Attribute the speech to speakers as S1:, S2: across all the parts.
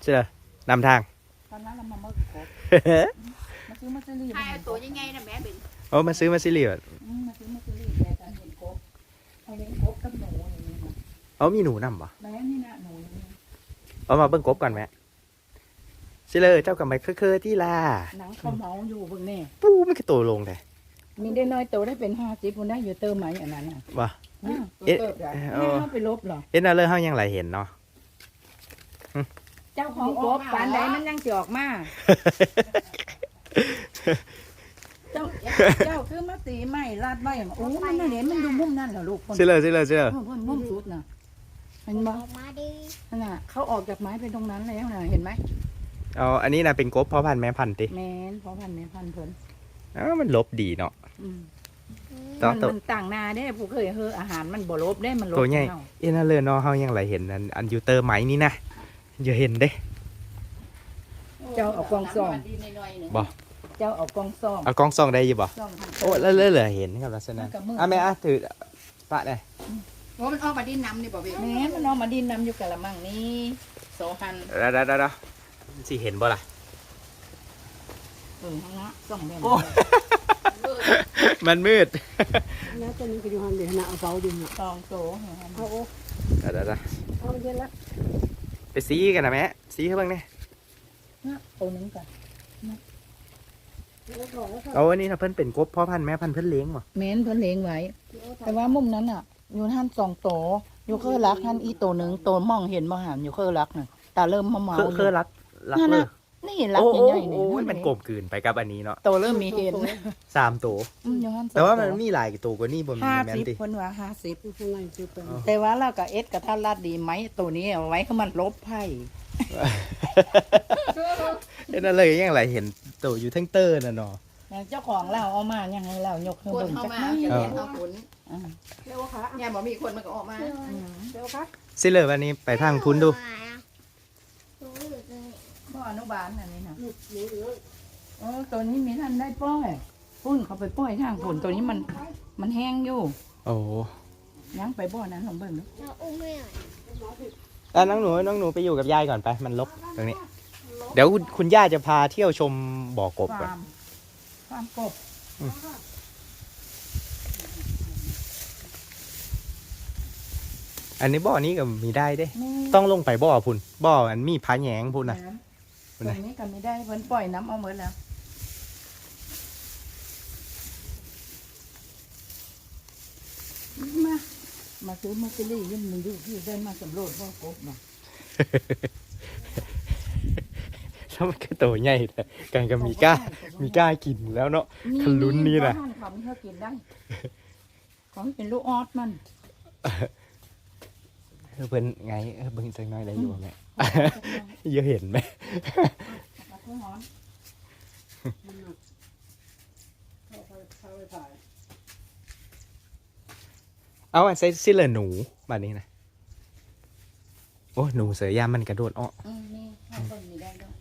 S1: ช่นำทาง
S2: ตอนนั้นเรามาเมื่อครบมาซื้อมาซื้อรีบ
S3: ใช่ตัวยังไงนะแม่เป็น
S1: โอ้มาซื้อมาซิลิว
S2: มาซื้อมาซื้อรีบแต่การเห็นครบเอาเลี้ยงครบกับหนูอย่างนี้นะ
S1: เอามีหนูนำปะ
S2: แม่นี่นะหนูอย่างนี้
S1: เอามาเบิ่งกบก่อนแม่ซิเลยเจ้ากับไมเคอที่ล่ะ
S2: หนังเขาเมาอยู่เบิ่งนี่
S1: ปูไม่กระโตลงเลย
S2: มีได้น้อยโตได้เป็น50คนได้อยู่เติมไหมอย่างนั้นน่ะ
S1: ว่ะ
S2: ตัวเติบได้แม่เอาไปลบหรอ
S1: เอ็นเอาเลยเฮายังไหลเห็นเนาะ
S2: เจ้าของครบปานใดมันยังสิออกมาเจ้าคือมาตีไม้ลาดไว้โอ้มันน่ะเห็นมันดูมุมนั่นเหรอลูกคน
S1: ซิเลย
S2: มุมสุดน่ะเห็นบ่
S3: ออกมาดิ
S2: นั่นน่ะเขาออกจากไม้ไปตรงนั้นแล้วน่ะเห็นไหม
S1: เอาอันนี้นะเป็นกบพ่อพันธุ์แม่พันธุ์ติ
S2: แม่นพอพันแม่พันเพิ่น
S1: อ้าวมันลบดีเนาะ
S3: Ừ.
S1: ต่อ
S2: มันต่างนาเด้ผู้เคยเฮออาหารมันบ่ลบได้มันลบ
S1: ตัวใหญ่
S2: เฮา
S1: เอ็นเอาเลยเนาะเฮายังไหลเห็นอันยูเตอร์ไหมนี่นะอย่าเห็นเด้
S2: เจ้าเอากองซ่อม
S1: บ่
S2: เจ้าเอากองซ่อม
S1: เอากล้องส่องได้อยู่บ่
S2: ซ่อมทาง
S1: โอ้แล้วเหลือเห็นครับลักษณะ
S2: มันกับมือ
S1: อ่ะแม่อ่ะถือปะเลย
S3: ว่ามันออกมาดินน้ำนี่บ่เว้ย
S2: แม่มันเอามาดินนำอยู่กะละมังนี้โซหัน
S1: เดี๋ยวสิเห็นบ่ล่ะ
S2: ข้างละซ่องแม่น
S1: โอ้ มันมืด
S4: แล้วตอนนี้ก็อยู่หันเดี๋ยวนะเอาเสาดินน่ะ
S2: ซองโตเห็นไหม
S4: เอาโอ้
S1: เดี๋ยว
S4: เอาเย็นละ
S1: ไปซีกันนะแม่ซีเขาบ้างเนี่ย
S2: ตัวนึงก่อน
S4: แล้วก็แล้วก็
S1: เอาอันนี้ถ้าเพิ่นเป็นกบพ่อพันธุ์แม่พันธุ์เพิ่นเลี้ยงบ่
S2: แม่นเพิ่นเลี้ยงไว้ แต่ว่ามุมนั้นน่ะ อยู่หันสองโตอยู่เคยรักหันอีโตหนึงโตมองเห็นบ่หันอยู่เคยรักน่ะตาเริ่มเมาๆ
S1: คือรัก
S2: นั่น
S1: เล
S2: น่ะ
S1: ย
S2: นี่รัก
S1: โอ้
S2: ใหญ่ๆนี่
S1: โอ้มันกลมกลืนไปกับอันนี้เนาะ
S2: โตเริ่มมีเห็น
S1: 3ตัว
S2: อยู่หันสอง
S1: แต่ว่ามันมีหลายตัวกว่านี้บ่มีแม่นติ
S2: 50เพิ่นว่า50
S4: คือข้างในคือเป็น
S2: แต่ว่าเรากับเอสกับท่านลาดดีไหมตัวนี้เอาไว้เขามันลบไพ่
S1: เอ็นอะไรยังไหลเห็นตัวอยู่ทั้งเตอร์น่ะเนาะ
S2: เจ้าของเราเอามายังไงเรายกขึ้น
S3: คน
S2: บน
S3: เข้า
S2: จัก
S3: มา
S2: หน้อย
S3: จะเห็นเอาผล
S2: อ่า
S4: เร็วค่ะ
S3: เนี่ยบ่มีคนมันก็ออกมา
S4: เร็วค่ะ
S1: สิเลยวันนี้ไปทางพุ้นดู
S2: พ่ออนุบาลอันนี้นะ
S4: หนูเหลือ
S2: โอ้ตัวนี้มีท่านได้ป้อยพุ่นเขาไปป้อยทางผลตัวนี้มันแห้งอยู่
S1: โอ้
S2: ยังไปบ่อนั้นลองเบิ่งดู
S1: น้องหนูไปอยู่กับยายก่อนไปมันลบตรงนี้ เดี๋ยวคุณย่าจะพาเที่ยวชมบ่อกบก่อน
S2: ความกบ
S1: อันนี้บ่อนี้ก็มีได้เด้
S2: นี่
S1: ต้องลงไปบ่อพุ่นบ่ออันมีผาแหยงพุ่นนะ
S2: ตรงนี้ก็ไม่ได้เพิ่นปล่อยน้ำเอาหมดแล้วมาซื้อมาซื้อรี่ยังมันอยู่ที่ได้มาสำรวจบ่อกบมา
S1: แล้วมันก็ตัวใหญ่แต่กันก็มีกล้ากินแล้วเนาะ ขลุ้นนี่น่ะ
S2: บ้าเขาไม่ให้กินได้ของเป็นลูกออสมัน
S1: เพิ่นไงเบิ่งจังน้อยได้อยู่แม่ เยอะเห็นไหม
S2: เอาเพื่อหอม
S4: เข้าไปถ่าย
S1: เอาอันใส่ซิเลอหนูบัดนี้นะโอ้หนูเสือยามมันกระโดดอ้อ
S2: นี่ให้คนมีได้ด้วย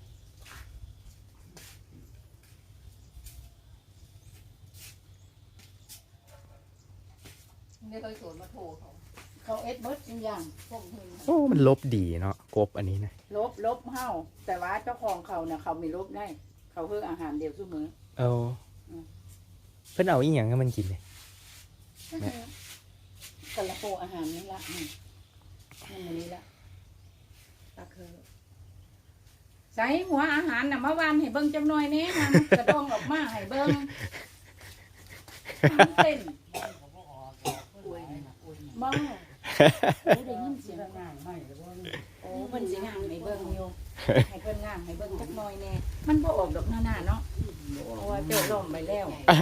S3: ไม่เคยสวนมาโทรเขา
S2: เขาเอ็ดเบิร์ดจริงอย่างพวกมึง
S1: โอ้มันลบดีเนาะกบอันนี้นะ
S2: ลบเฮ้าแต่ว่าเจ้าของเขาเนี่ยเขามีลบได้ เขาเพื่ออาหารเดียวซุมือ
S1: เอาเพิ่นเอาอีหยังให้มันกินเลย
S2: กระโปงอาหารนี่ละนี่มันนี้ละตะเคอใส่หัวอาหารน่ะเมื่อวานให้เบิ้งจังหน่อยนี้นะกระดองออกมาให้เบิ้งเต้นบ้าได้ยินเสียงงานไหมโอ้เพิ่นสิงานให้เบิ้งอยู่ให้เพิ่นงานให้เบิ้งจักหน่อยแน่มันบ่ออกดอกหน้าเนาะเพราะว่าเจ้าล่มไปแล้ว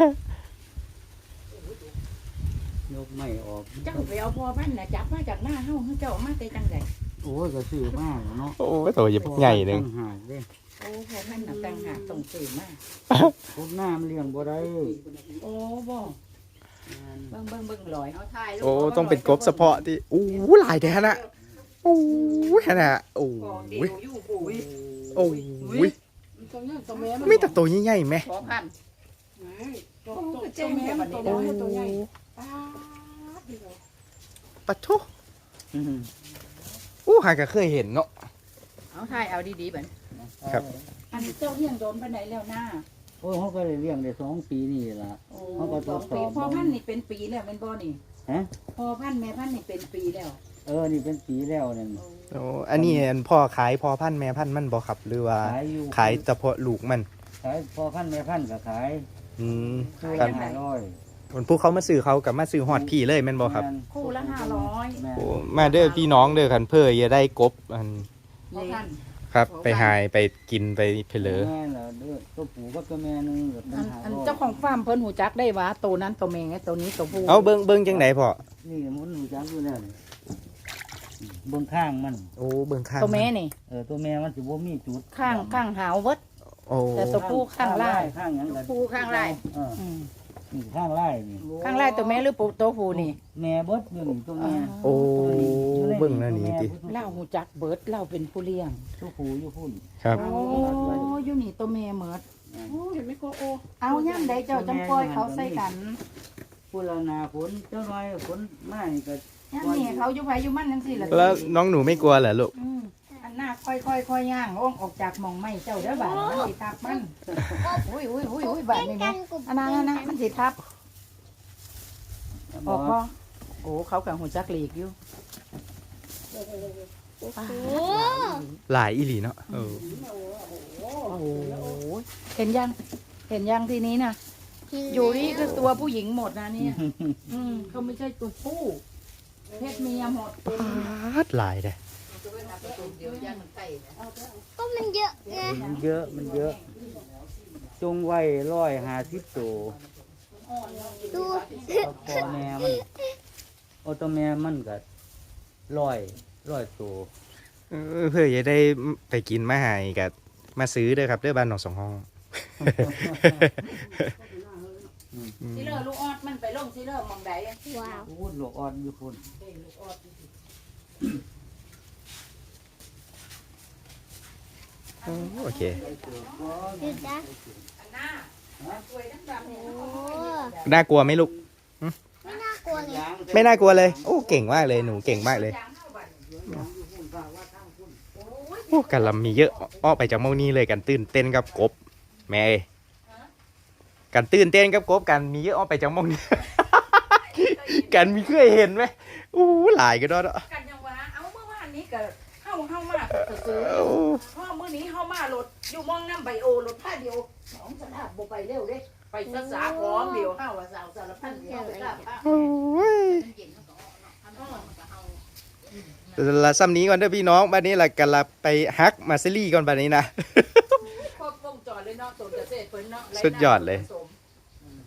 S5: ยกไม่ออก
S2: เจ้าไปเอาพอพันน่ะจับมาจากหน้าเฮาเจ้ามาแต่จังได
S5: โอ้ยก็ซื้อมากเนาะ
S1: โอ้ตัวใหญ่หนึ่ง
S5: ต่าหากเด้
S2: โอ้พอพันน่ะต่างหากต้องซื้อมา
S5: พวกหน้ามันเลี้ยงบ่ได้
S2: โอ้บ่เบิ่งลอย
S3: เอาถ่ายรูป
S1: โอ้ต้องเป็นกบเฉพาะที่อู้หลายแท้นะโอ้ขนาดโอ้
S3: ของเดียวอยู่ปู่
S1: โอ้
S4: ตรงนี้ตรงนี้
S1: ไม่แต่ตัวใหญ่ๆไหม
S3: ขอพัน
S4: ตัวแม่ตัวน้อยตัวใหญ่
S1: ปะทุอู้หาก็เคยเห็นเนาะ
S2: เอาถ่ายเอาดีๆบัด
S1: ครับ
S2: อันนี้เจ้าเลี้ยงโดนปานใดแล้วหน้า
S5: โอ้ยเขาก็ได้เลี้ยงได้2 ปีนี่ล่ะ
S2: โอ้
S5: เขาก็ทดสอบ
S2: พ่อพันธุ์นี่เป็นปีแล้วเป็นบ่นี่
S5: ฮะ
S2: พ่อพันธุ์แม่พันธุ์นี่เป็นปีแล้ว
S5: นี่เป็นปีแล้วนั่น
S1: โอ้อันนี้อันพ่อขายพ่อพันธุ์แม่พันธุ์มันบ่ครับหรือว่า
S5: ขายอยู่
S1: ขายเฉพาะลูกมัน
S5: ขายพอพันแม่พันก็ขาย
S1: อืม
S5: คือ
S1: ครับ
S5: 500
S1: คนผู้เขามาซื้อเขากับมาซื้อฮอดพี่เลยแม่นบ่ครับ
S2: คู่ละ500
S5: แม่น
S1: โอ้มาเด้อพี่น้องเด้อคันเพื่อจะได้กบอัน
S2: พ่อพันธุ์
S1: ครับไปหายไปกินไปเพลอ
S5: แม่เหรอเด้อตัวผู้กับตัวแม่นึงก็เป็น
S2: อัน
S5: 500
S2: เจ้าของฟาร์มเพิ่นหูจักได้ว่าตัวนั้นตัวแม่ไงตัวนี้ตัวผู้
S1: เอาเบิ่งจังไดพ่อ
S5: นี่มันรู้จักอยู่แล้วนี่เบิ่งข้างมัน
S1: โอ้เบิ่งข้าง
S2: ตัวแม่นี่
S5: ตัวแม่มันสิบ่มีจุด
S2: ข้างหาวเบิด
S1: โอ้
S2: แต่ตัวผู้ข้างล่าง
S5: ข้างหยัง
S2: ตัว
S5: กัน
S2: ผู้ข้างไร่
S5: อืมนี่ข้างไล่นี่
S2: ข้างไร่ตัวแม่หรือปูตัวผู้นี่
S5: แม่เบิดอยู่นี่ตัวแม่
S1: โอ้เบิ่งแล้วนี่ติ
S2: เล่าหูจักเบิดเล่าเป็นผู้เลี้ยง
S5: ตัวผู้อยู่พุ่น
S1: ครับ
S2: โอ้อยู่นี่ตัวแม่เมิด
S4: โอ้เห็นไหมโกโอ
S2: เอาย่ำใดเจ้าจังปล่อยเขาใส่กัน
S5: พุ่นละนาฝนเจ้าน้อยฝนมานี่ก็
S2: ย่ำนี่เขาอยู่ไผอยู่มันจังซี่ล่ะ
S1: แล้วน้องหนูไม่กลัวเหรอลูก
S2: อันหน้าค่อยย่างอ้องออกจากหม่องไม้เจ้าเด้อบาดมันสิทับมันอุ้ยบาดนี่แม่อันนั้นมันสิทับออกบ่โอ้เขากับหูจักหลีกอยู่
S1: หลายอีหลีเนาะเออ
S2: โอ้โหเห็นยังทีนี้นะอยู่นี่คือตัวผู้หญิงหมดนะเนี่ยเขาไม่ใช่ตัวผู้เพศเมียหมด
S1: ปาดหลายเด้อ
S3: ก็มันเยอะไง
S5: มันเยอะจงไว้150ตัว
S3: ดู
S5: พ่อแม่มันตัวแม่มันก็100ตัว
S1: เพื่อจะได้ไปกินมาหายกับมาซื้อเด้อครับเด้อบ้านหนองสองห้อง
S2: ซิเลอร์ลูกออดมันไปลงซิเลอร์มองใด
S3: ว้าว
S5: พูดลูกอ่อนอยู่พุ่น
S1: โอเค
S3: ดูจ้ะ
S2: หน้าป่วยดำๆเนี่ย
S3: โอ้
S1: น่ากลัวไหมลูก
S3: ไม่น่ากลัวเลย
S1: ไม่น่ากลัวเลย โอ้เก่งมากเลยหนูเก่งมากเลยโอ้กันลำมีเยอะอ้อไปจากเมานี่เลยกันตื่นเต้นกับกบ แม่เอ้ยกันตื่นเต้นกับกบกันมีเยอะอ้อไปจากเมานี่ กันมีเคยเห็นไหมอู้หลายก็ได้เนาะ
S2: กันยังว่าเอาเมื่อวานนี้ก็เฮามาก็ซื้อ
S1: โอ้
S2: เพราะมื้อนี้เฮามารถอยู่มองน้ำไบโอรถผ้าเดียวสองสนามบ่ไปเร็วเด้ไปศึกษาพร้อมเดียวเฮาว่าสาวสารพันเดียวไปกลับ
S1: โอ้ยละซ้ำนี้ก่อนเด้อพี่น้องบ้านนี้ละกันละไปฮักมาซิลี่ก่อนบ้านนี้นะ
S2: ครบวงจรเลยเนาะตัวเกษตรเพิ่นเนาะ
S1: สุดยอดเลย
S2: ส